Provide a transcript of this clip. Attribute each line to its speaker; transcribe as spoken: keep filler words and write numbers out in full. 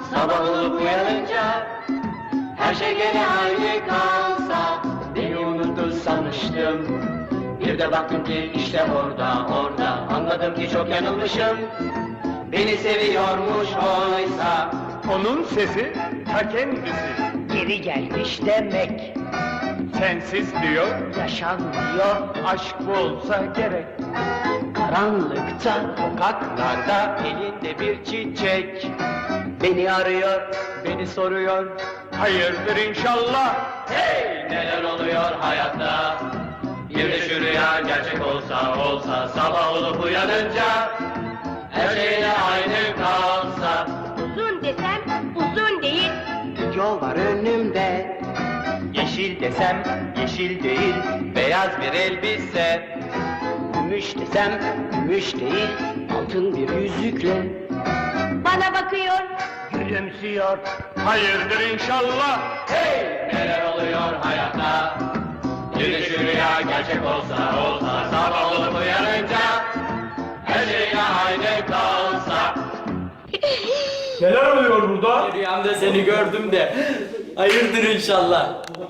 Speaker 1: sabah olup uyanınca her şey gene aynı kalsa, beni unuttu sanmıştım. Bir de baktım ki işte orada, orada, anladım ki çok yanılmışım. Beni seviyormuş oysa.
Speaker 2: Onun sesi ta kendisi.
Speaker 1: Geri gelmiş demek,
Speaker 2: Sensiz diyor,
Speaker 1: yaşanmıyor.
Speaker 2: aşk bu olsa gerek.
Speaker 1: Karanlıkta, sokaklarda, elinde bir çiçek. Beni arıyor, beni soruyor.
Speaker 2: Hayırdır inşallah.
Speaker 1: Hey! Neler oluyor hayatta? Bir de şu rüya gerçek olsa, olsa, sabah olup uyanınca her şeyle aynı kalsa.
Speaker 3: Uzun desem uzun değil.
Speaker 1: Yol var önümde, yeşil desem yeşil değil, beyaz bir elbise. Gümüş desem gümüş değil, altın bir yüzükle
Speaker 3: Bana bakıyor.
Speaker 1: gülümsüyor.
Speaker 2: Hayırdır inşallah.
Speaker 1: Hey! Neler oluyor hayatta? Bir de şu rüya gerçek olsa, olsa, sabah olup uyanınca her şeyle aynı kalsa.
Speaker 2: Neler oluyor burada?
Speaker 4: Rüyamda seni gördüm de hayırdır inşallah.